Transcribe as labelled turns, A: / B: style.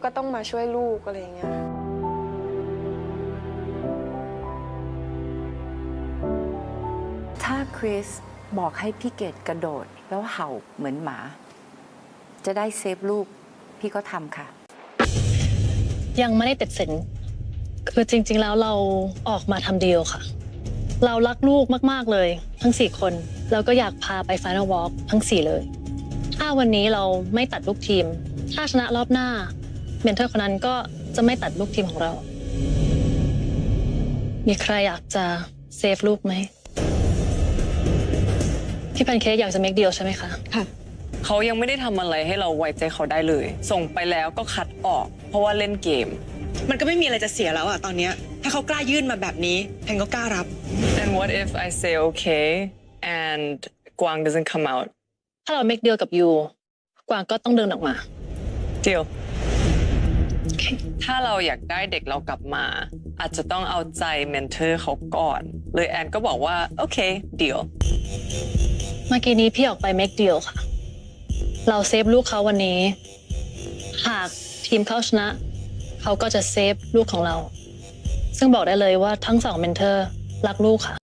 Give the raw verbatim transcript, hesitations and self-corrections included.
A: ก็ต้องมาช่วยลูกอะไรอย่างเงี้ย
B: ถ้าคริสบอกให้พี่เกดกระโดดแล้วเห่าเหมือนหมา จะได้เซฟลูกพี่ก็ทำค่ะ
C: ยังไม่ได้ตัดสินคือจริงๆแล้วเราออกมาทำดีลค่ะ เรารักลูกมากๆเลยทั้งสี่คนแล้วก็อยากพาไป Final Walk ทั้งสี่เลยถ้าวันนี้เราไม่ตัดลูกทีมถ้าชนะรอบหน้าเมนเทอร์คนนั้นก็จะไม่ตัดลูกทีมของเรา มีใครอยากจะเซฟลูกไหมพี่แพนเค้กอยากจะ make deal ใช่ไหมคะค่ะ
D: เขายังไม่ได้ทำอะไรให้เราไว้ใจเขาได้เลย ส่งไปแล้วก็คัดออก เพราะว่าเล่นเกม
E: มันก็ไม่มีอะไรจะเสียแล้วอะตอนเนี้ยถ้าเขากล้ายื่นมาแบบนี้แพนก็กล้ารับ
D: and what if I say okay and กวาง doesn't come out
C: ถ้าเรา make deal กับยูกวางก็ต้องเดินออกมา
D: deal
C: okay.
D: ถ้าเราอยากได้เด็กเรากลับมาอาจจะต้องเอาใจเมนเทอร์เขาก่อนเลยแอนก็บอกว่าโอเค deal
C: เมื่อกี้นี้พี่ออกไป make deal ค่ะเราเซฟลูกเขาวันนี้หากทีมเขาชนะเขาก็จะเซฟลูกของเราซึ่งบอกได้เลยว่าทั้งสองเมนเทอร์รักลูกค่ะ